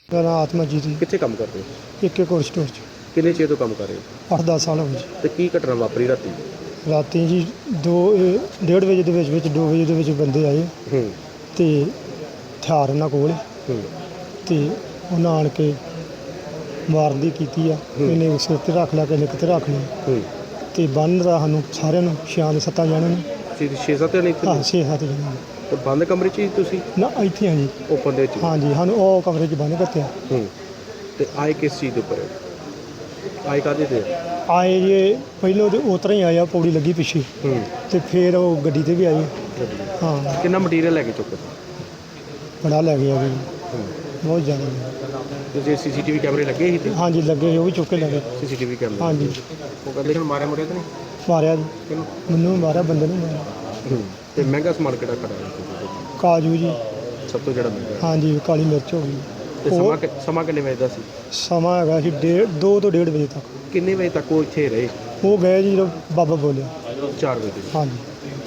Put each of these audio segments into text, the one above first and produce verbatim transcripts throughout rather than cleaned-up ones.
ਮੇਰਾ ਨਾਮ ਆਤਮਾਜੀਤ ਜੀ। ਕਿੱਥੇ ਕੰਮ ਕਰਦੇ ਹੋ? ਇੱਕ ਇੱਕ ਹੋਰ ਸਟੋਰ 'ਚ ਕਿੰਨੇ ਚਿਰ ਤੋਂ ਕੰਮ ਕਰ ਰਹੇ ਹੋ ਅੱਠ ਦਸ ਸਾਲ ਹੋ ਗਏ ਜੀ। ਤੇ ਕੀ ਘਟਨਾ ਵਾਪਰੀ ਰਾਤੀ? ਰਾਤੀ ਜੀ ਦੋ ਇਹ ਡੇਢ ਵਜੇ ਦੇ ਵਿੱਚ ਵਿੱਚ ਦੋ ਵਜੇ ਦੇ ਵਿੱਚ ਬੰਦੇ ਆਏ ਹੂੰ ਅਤੇ ਹਥਿਆਰ ਉਹਨਾਂ ਕੋਲ ਹੂੰ ਅਤੇ ਉਹਨਾਂ ਆਣ ਕੇ ਮਾਰਨ ਦੀ ਕੀਤੀ ਆ। ਇਹਨੇ ਸਿਰ 'ਤੇ ਰੱਖ ਲਿਆ, ਕਿਸੇ ਨੇ ਕਿਤੇ ਰੱਖ ਲਿਆ ਹੂੰ ਅਤੇ ਬੰਨ੍ਹ ਦਾ ਸਾਨੂੰ ਸਾਰਿਆਂ ਨੂੰ ਛਿਆਂ ਦੇ ਸੱਤਾਂ ਜਣਿਆਂ ਨੂੰ ਛੇ ਛੇ ਸੱਤ ਜਣੇ ਹਾਂ ਇੱਥੇ ਛੇ ਸੱਤ ਜਣਿਆਂ ਨੂੰ ਤੇ ਬੰਦ ਕਮਰੇ 'ਚ ਹੀ ਤੁਸੀਂ ਨਾ ਇੱਥੇ ਹਾਂ ਜੀ। ਓਪਨ ਦੇ ਵਿੱਚ? ਹਾਂਜੀ ਸਾਨੂੰ ਉਹ ਕਮਰੇ 'ਚ ਬੰਨ੍ਹ ਕੱਤਿਆ। ਹੂੰ ਤੇ ਆਏ ਕਿਸ ਚੀਜ਼ ਦੇ ਉੱਪਰ? ਆਏ ਕਾਹਦੇ ਤੇ? ਆਏ ਜੇ ਪਹਿਲੋਂ ਤਾਂ ਉਸ ਤਰ੍ਹਾਂ ਹੀ ਆਇਆ, ਪੌੜੀ ਲੱਗੀ ਪਿੱਛੇ ਹੂੰ ਅਤੇ ਫਿਰ ਉਹ ਗੱਡੀ 'ਤੇ ਵੀ ਆਏ। ਹਾਂ ਕਿੰਨਾ ਮਟੀਰੀਅਲ ਲੈ ਕੇ ਚੁੱਕੇ? ਬੜਾ ਲੈ ਗਿਆ ਜੀ, ਹੂੰ ਬਹੁਤ ਜ਼ਿਆਦਾ ਲਿਆ। ਤੇ ਜੇ ਸੀਸੀਟੀਵੀ ਕੈਮਰੇ ਲੱਗੇ ਸੀ ਤੇ ਹਾਂਜੀ ਲੱਗੇ ਸੀ, ਉਹ ਵੀ ਚੁੱਕ ਕੇ ਲੈ ਗਏ। ਸੀਸੀਟੀਵੀ ਕੈਮਰੇ ਹਾਂਜੀ ਉਹ ਕਹਿੰਦੇ ਹੁਣ ਮਾਰਿਆ ਮੁਰਿਆ ਤਾਂ ਨਹੀਂ? ਮਾਰਿਆ ਜੀ, ਕਿਹਨੂੰ? ਮੈਨੂੰ ਵੀ ਮਾਰਿਆ, ਬੰਦੇ ਨੂੰ ਮਾਰਿਆ। ਹੂੰ ਤੇ ਮਹਿੰਗਾ ਸਮਾਨ ਕਿਹੜਾ ਖੜਾ ਕਾਜੂ ਜੀ, ਸਭ ਤੋਂ ਜਿਹੜਾ ਮਹਿੰਗਾ? ਹਾਂਜੀ ਕਾਲੀ ਮਿਰਚ ਹੋ ਗਈ। ਤੇ ਉਹ ਸਮਾਂ ਕਿ- ਸਮਾਂ ਕਿੰਨੇ ਵਜੇ ਦਾ ਸੀ? ਸਮਾਂ ਹੈਗਾ ਸੀ ਡੇਢ ਦੋ ਤੋਂ ਡੇਢ ਵਜੇ ਤੱਕ। ਕਿੰਨੇ ਵਜੇ ਤੱਕ ਉਹ ਇੱਥੇ ਰਹੇ? ਉਹ ਗਏ ਜੀ ਜਦੋਂ ਬਾਬਾ ਬੋਲਿਆ। ਚਾਰ ਵਜੇ ਤੱਕ। ਹਾਂਜੀ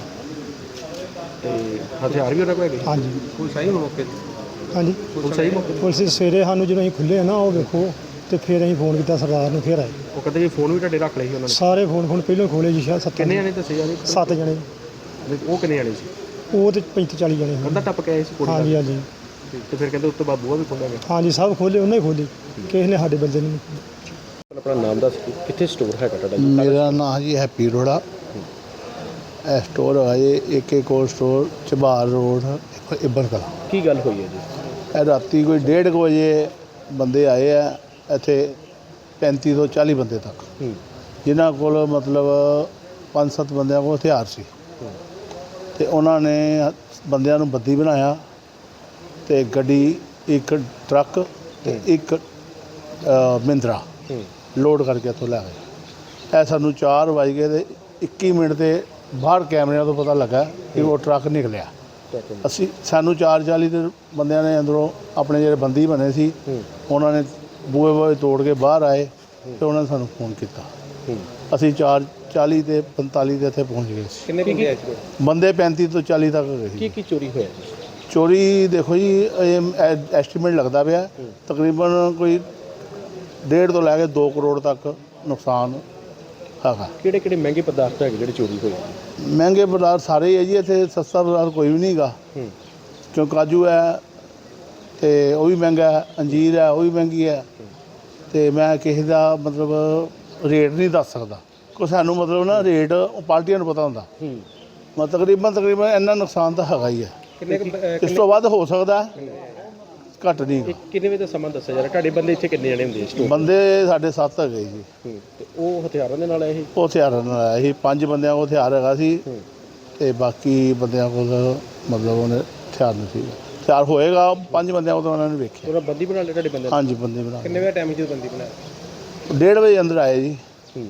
ਤੇ ਹਥਿਆਰ ਵੀ ਉਹਨਾਂ ਕੋਲ ਹੈਗੇ? ਹਾਂਜੀ ਕੋਈ ਸਹੀ ਮੌਕੇ ਤੇ? ਹਾਂਜੀ ਕੋਈ ਸਹੀ ਮੌਕੇ ਤੇ? ਪੁਲਿਸ ਸਵੇਰੇ ਸਾਨੂੰ ਜਦੋਂ ਅਸੀਂ ਖੁੱਲ੍ਹੇ ਨਾ ਉਹ ਵੇਖੋ, ਅਤੇ ਫਿਰ ਅਸੀਂ ਫੋਨ ਕੀਤਾ ਸਰਦਾਰ ਨੂੰ, ਫਿਰ ਆਏ ਉਹ ਕਹਿੰਦੇ ਜੀ ਫੋਨ ਵੀ ਤੁਹਾਡੇ ਰੱਖ ਲਏ ਸੀ ਉਹਨਾਂ ਨੇ? ਸਾਰੇ ਫੋਨ ਫੋਨ ਪਹਿਲਾਂ ਖੋਲ੍ਹੇ ਜੀ, ਸ਼ਾਇਦ ਸੱਤ ਕਿੰਨੇ ਜਣੇ ਦੱਸੇ ਜਾ ਰਹੇ? ਸੱਤ ਜਣੇ। ਉਹ ਕਿੰਨੇ ਜਣੇ ਸੀ? ਉਹ ਤਾਂ ਪੈਂਤੀ ਚਾਲੀ ਜਣੇ ਸੀ। ਕੰਧਾ ਟੱਪ ਕੇ ਆਏ ਸੀ ਕੁੜੀ ਹਾਂਜੀ ਨਾਲ? ਹਾਂਜੀ ਤੇ ਫਿਰ ਕਹਿੰਦੇ ਉਸ ਤੋਂ ਬਾਅਦ ਬੂਹਾ ਵੀ ਖੋਲ੍ਹਿਆ ਗਿਆ? ਹਾਂਜੀ ਸਭ ਖੋਲ੍ਹੇ, ਉਹਨੇ ਹੀ ਖੋਲ੍ਹੀ, ਕਿਸੇ ਨੇ ਸਾਡੇ ਬੰਦੇ ਨੂੰ। ਆਪਣਾ ਨਾਮ ਦੱਸ ਦਿਓ, ਕਿੱਥੇ ਸਟੋਰ ਹੈਗਾ ਤੁਹਾਡਾ ਜੀ? ਮੇਰਾ ਨਾਮ ਜੀ ਹੈਪੀ ਅਰੋੜਾ। ਇਹ ਸਟੋਰ ਹੈਗਾ ਜੀ ਏਕੇ ਕੋਲ ਸਟੋਰ, ਚਬਾਰ ਰੋਡ, ਇੱਬਰ ਕਲਾਂ। ਕੀ ਗੱਲ ਹੋਈ ਹੈ ਜੀ? ਇਹ ਰਾਤੀ ਕੋਈ ਡੇਢ ਕੁ ਵਜੇ ਬੰਦੇ ਆਏ ਆ ਇੱਥੇ, ਪੈਂਤੀ ਤੋਂ ਚਾਲੀ ਬੰਦੇ ਤੱਕ, ਹੂੰ ਜਿਨ੍ਹਾਂ ਕੋਲ ਮਤਲਬ ਪੰਜ ਸੱਤ ਬੰਦਿਆਂ ਕੋਲ ਹਥਿਆਰ ਸੀ। ਅਤੇ ਉਹਨਾਂ ਨੇ ਬੰਦਿਆਂ ਨੂੰ ਬੱਦੀ ਬਣਾਇਆ ਅਤੇ ਗੱਡੀ, ਇੱਕ ਟਰੱਕ ਅਤੇ ਇੱਕ ਮਹਿੰਦਰਾ ਹੂੰ ਲੋਡ ਕਰਕੇ ਇੱਥੋਂ ਲੈ ਗਏ। ਇਹ ਸਾਨੂੰ ਚਾਰ ਵੱਜ ਗਏ ਅਤੇ ਇੱਕੀ ਮਿੰਟ 'ਤੇ ਬਾਹਰ ਕੈਮਰਿਆਂ ਤੋਂ ਪਤਾ ਲੱਗਾ ਕਿ ਉਹ ਟਰੱਕ ਨਿਕਲਿਆ। ਅਸੀਂ ਸਾਨੂੰ ਚਾਰ ਚਾਲੀ ਦੇ ਬੰਦਿਆਂ ਨੇ ਅੰਦਰੋਂ ਆਪਣੇ ਜਿਹੜੇ ਬੰਦੀ ਬਣੇ ਸੀ, ਹੂੰ ਉਹਨਾਂ ਨੇ ਬੂਹੇ ਬੂਹੇ ਤੋੜ ਕੇ ਬਾਹਰ ਆਏ ਅਤੇ ਉਹਨਾਂ ਨੇ ਸਾਨੂੰ ਫੋਨ ਕੀਤਾ। ਹੂੰ ਅਸੀਂ ਚਾਰ ਚਾਲੀ ਅਤੇ ਪੰਤਾਲੀ ਦੇ ਇੱਥੇ ਪਹੁੰਚ ਗਏ ਸੀ। ਕਿੰਨੇ ਬੰਦੇ ਆਏ ਸੀ? ਬੰਦੇ ਪੈਂਤੀ ਤੋਂ ਚਾਲੀ ਤੱਕ ਗਏ ਕੀ ਸੀ। ਕੀ ਚੋਰੀ ਹੋਇਆ ਜੀ? ਚੋਰੀ ਦੇਖੋ ਜੀ, ਇਹ ਐਸਟੀਮੇਟ ਲੱਗਦਾ ਪਿਆ ਤਕਰੀਬਨ ਕੋਈ ਡੇਢ ਤੋਂ ਲੈ ਕੇ ਦੋ ਕਰੋੜ ਤੱਕ ਨੁਕਸਾਨ ਹੈਗਾ। ਕਿਹੜੇ ਕਿਹੜੇ ਮਹਿੰਗੇ ਪਦਾਰਥ ਹੈਗੇ ਜਿਹੜੇ ਚੋਰੀ ਹੋਏ? ਮਹਿੰਗੇ ਪਦਾਰਥ ਸਾਰੇ ਹੀ ਹੈ ਜੀ, ਇੱਥੇ ਸਸਤਾ ਪਦਾਰਥ ਕੋਈ ਵੀ ਨਹੀਂ ਹੈਗਾ। ਹੂੰ ਕਿਉਂ ਕਾਜੂ ਹੈ ਅਤੇ ਉਹ ਵੀ ਮਹਿੰਗਾ ਹੈ, ਅੰਜੀਰ ਹੈ ਉਹ ਵੀ ਮਹਿੰਗੀ ਹੈ, ਅਤੇ ਮੈਂ ਕਿਸੇ ਦਾ ਮਤਲਬ ਰੇਟ ਨਹੀਂ ਦੱਸ ਸਕਦਾ, ਕੋਈ ਸਾਨੂੰ ਮਤਲਬ ਨਾ ਰੇਟ ਉਹ ਪਾਰਟੀਆਂ ਨੂੰ ਪਤਾ ਹੁੰਦਾ। ਹੂੰ ਮ ਤਕਰੀਬਨ ਤਕਰੀਬਨ ਇੰਨਾ ਨੁਕਸਾਨ ਤਾਂ ਹੈਗਾ ਹੀ ਹੈ। ਕਿੰਨੇ ਕੁ, ਅਹ, ਇਸ ਤੋਂ ਵੱਧ ਹੋ ਸਕਦਾ, ਘੱਟ ਨਹੀਂ। ਕਿੰਨੇ- ਕਿੰਨੇ ਵਜੇ ਦਾ ਸਮਾਂ ਦੱਸਿਆ ਜਾ ਰਿਹਾ? ਤੁਹਾਡੇ ਬੰਦੇ ਇੱਥੇ ਕਿੰਨੇ ਜਣੇ ਹੁੰਦੇ ਸਟੋਰ? ਬੰਦੇ ਸਾਡੇ ਸੱਤ ਹੈਗੇ ਜੀ। ਹੂੰ ਤੇ ਉਹ ਹਥਿਆਰਾਂ ਦੇ ਨਾਲ ਆਏ ਸੀ? ਉਹ ਹਥਿਆਰਾਂ ਨਾਲ ਆਇਆ ਸੀ, ਪੰਜ ਬੰਦਿਆਂ ਕੋਲ ਹਥਿਆਰ ਹੈਗਾ ਸੀ ਹੂੰ ਅਤੇ ਬਾਕੀ ਬੰਦਿਆਂ ਕੋਲ ਮਤਲਬ ਉਹਨੇ ਹਥਿਆਰ ਨਹੀਂ ਸੀ। ਹਥਿਆਰ ਹੋਏਗਾ ਪੰਜ ਬੰਦਿਆਂ ਕੋਲ ਤਾਂ ਉਹਨਾਂ ਨੇ ਵੇਖਿਆ। ਉਹਨਾਂ ਬੰਦੀ ਬਣਾ ਲਿਆ ਤੁਹਾਡੇ ਬੰਦੇ ਨੇ? ਹਾਂਜੀ ਬੰਦੇ ਬਣਾ ਕਿੰਨੇ ਵਜੇ ਟਾਈਮ ਜਦੋਂ ਬੰਦੀ ਬਣਾਇਆ? ਡੇਢ ਵਜੇ ਅੰਦਰ ਆਏ ਜੀ ਹੂੰ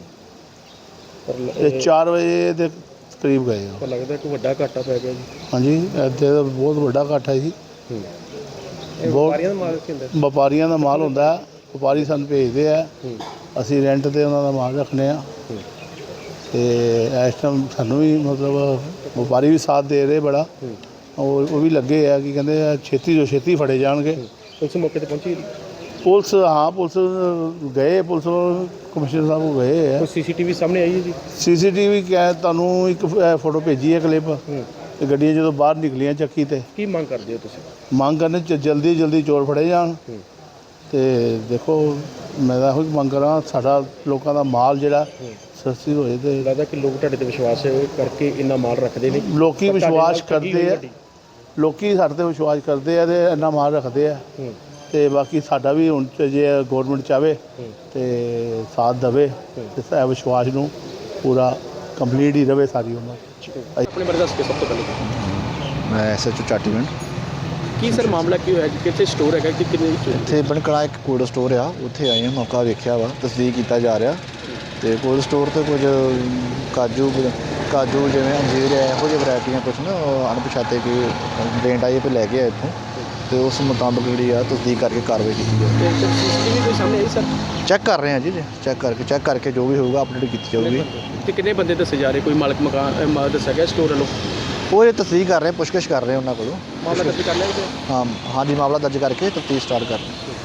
ਪਰ ਲ- ਅਤੇ ਚਾਰ ਵਜੇ ਦੇ ਕਰੀਬ ਗਏ ਉਹ। ਪਰ ਲੱਗਦਾ ਕਿ ਵੱਡਾ ਘਾਟਾ ਪੈ ਗਿਆ ਜੀ। ਹਾਂਜੀ ਇੱਥੇ ਤਾਂ ਬਹੁਤ ਵੱਡਾ ਇਕੱਠ ਹੈ ਜੀ। ਹੂੰ ਇਹ ਬਹੁਤ- ਵਪਾਰੀਆਂ ਦਾ ਮਾਲ ਕੀ ਹੁੰਦਾ? ਵਪਾਰੀਆਂ ਦਾ ਮਾਲ ਹੁੰਦਾ, ਵਪਾਰੀ ਸਾਨੂੰ ਭੇਜਦੇ ਆ, ਹੂੰ ਅਸੀਂ ਰੈਂਟ 'ਤੇ ਉਹਨਾਂ ਦਾ ਮਾਲ ਰੱਖਦੇ ਹਾਂ। ਹੂੰ ਅਤੇ ਇਸ ਟਾਈਮ ਸਾਨੂੰ ਵੀ ਮਤਲਬ ਵਪਾਰੀ ਵੀ ਸਾਥ ਦੇ ਰਹੇ ਬੜਾ। ਹੂੰ ਉਹ ਉਹ ਵੀ ਲੱਗੇ ਆ ਕਿ ਕਹਿੰਦੇ ਆ ਛੇਤੀ ਤੋਂ ਛੇਤੀ ਫੜੇ ਜਾਣਗੇ। ਪੁਲਿਸ ਮੌਕੇ ਤੇ ਪਹੁੰਚੀ? ਪੁਲਿਸ ਹਾਂ ਪੁਲਿਸ ਗਏ, ਪੁਲਿਸ ਕਮਿਸ਼ਨਰ ਸਾਹਿਬ ਕੋਲ ਗਏ ਆ। ਕੋਈ ਸੀਸੀਟੀਵੀ ਸਾਹਮਣੇ ਆਈ ਹੈ ਜੀ? ਸੀ ਸੀ ਟੀ ਵੀ ਕਿਹਾ ਤੁਹਾਨੂੰ ਇੱਕ ਫ- ਫੋਟੋ ਭੇਜੀ ਹੈ ਕਲਿੱਪ, ਹੂੰ ਤੇ ਗੱਡੀਆਂ ਜਦੋਂ ਬਾਹਰ ਨਿਕਲੀਆਂ ਚੱਕੀ 'ਤੇ ਕੀ ਮੰਗ ਕਰਦੇ ਹੋ ਤੁਸੀਂ? ਮੰਗ ਕਰਨੇ ਚ ਜਲਦੀ ਜਲਦੀ ਚੋਰ ਫੜੇ ਜਾਣ। ਹੂੰ ਅਤੇ ਦੇਖੋ ਮੈਂ ਤਾਂ ਇਹੋ ਮੰਗ ਕਰਾਂ ਸਾਡਾ ਲੋਕਾਂ ਦਾ ਮਾਲ ਜਿਹੜਾ ਹੂੰ ਸਸਤੀ ਹੋਏ ਅਤੇ ਲੱਗਦਾ ਕਿ ਲੋਕ ਤੁਹਾਡੇ ਤੇ ਵਿਸ਼ਵਾਸ ਕਰਕੇ ਇੰਨਾ ਮਾਲ ਰੱਖਦੇ ਨੇ? ਲੋਕੀ ਪਰ ਤੁਹਾਡੇ ਵਿਸ਼ਵਾਸ ਨਾਲ ਠੱਗੀ ਹੋਈ ਕਰਦੇ ਆ, ਤੁਹਾਡੀ? ਲੋਕੀ ਸਾਡੇ 'ਤੇ ਵਿਸ਼ਵਾਸ ਕਰਦੇ ਆ ਅਤੇ ਇੰਨਾ ਮਾਲ ਰੱਖਦੇ ਆ। ਹੂੰ ਅਤੇ ਬਾਕੀ ਸਾਡਾ ਵੀ ਹੁਣ ਚ ਜੇ ਗੌਰਮੈਂਟ ਚਾਹਵੇ ਹੂੰ ਅਤੇ ਸਾਥ ਦੇਵੇ ਅਤੇ ਇਹ ਵਿਸ਼ਵਾਸ ਨੂੰ ਪੂਰਾ ਕੰਪਲੀਟ ਹੀ ਰਵੇ ਸਾਰੀ ਉਮਰ। ਆਪਣੇ ਬਾਰੇ ਦੱਸ ਕੇ ਸਭ ਤੋਂ ਪਹਿਲੇ ਮੈਂ ਐਸ ਐਚ ਓ ਚਾਟੀਵਿੰਡ। ਕੀ ਸਰ ਮਾਮਲਾ ਕੀ ਹੋਇਆ ਜੀ? ਕਿੱਥੇ ਸਟੋਰ ਹੈਗਾ ਕਿ ਕਿੰਨੇ ਵਿੱਚ? ਇੱਥੇ ਬਣਕੜਾ ਇੱਕ ਕੋਲਡ ਸਟੋਰ ਆ, ਉੱਥੇ ਆਏ ਹਾਂ, ਮੌਕਾ ਵੇਖਿਆ ਵਾ, ਤਸਦੀਕ ਕੀਤਾ ਜਾ ਰਿਹਾ। ਅਤੇ ਕੋਲਡ ਸਟੋਰ 'ਤੇ ਕੁਝ ਕਾਜੂ ਕਾਜੂ ਜਿਵੇਂ ਅੰਜੀਰ ਹੈ, ਇਹੋ ਜਿਹੀ ਵਰਾਇਟੀਆਂ ਕੁਛ ਨਾ ਅਣਪਛਾਤੇ ਕੋਈ ਕੰਪਲੇਂਟ ਆਈ ਹੈ, ਲੈ ਕੇ ਆਏ ਇੱਥੋਂ, ਅਤੇ ਉਸ ਮੁਤਾਬਕ ਜਿਹੜੀ ਆ ਤਸਦੀਕ ਕਰਕੇ ਕਾਰਵਾਈ ਕੀਤੀ ਜਾਵੇ। ਸੀਸੀਟੀਵੀ ਕੋਈ ਸਾਹਮਣੇ ਆਈ ਸਰ? ਚੈੱਕ ਕਰ ਰਹੇ ਹਾਂ ਜੀ, ਚੈੱਕ ਕਰਕੇ ਚੈੱਕ ਕਰਕੇ ਜੋ ਵੀ ਹੋਊਗਾ ਅਪਡੇਟ ਕੀਤੀ ਜਾਊਗੀ। ਤੇ ਕਿੰਨੇ ਬੰਦੇ ਦੱਸੇ ਜਾ ਰਹੇ? ਕੋਈ ਮਾਲਕ ਮਕਾਨ ਅਹ, ਦੱਸਿਆ ਗਿਆ ਸਟੋਰ ਵੱਲੋਂ? ਉਹ ਇਹ ਤਸਦੀਕ ਕਰ ਰਹੇ, ਪੁੱਛਗਿੱਛ ਕਰ ਰਹੇ ਉਹਨਾਂ ਕੋਲੋਂ। ਮਾਮਲਾ ਦਰਜ ਕਰ ਲਿਆ ਗਿਆ? ਹਾਂ ਹਾਂਜੀ, ਮਾਮਲਾ ਦਰਜ ਕਰਕੇ ਤਫਤੀਸ਼ ਸਟਾਰਟ ਕਰ ਰਹੇ।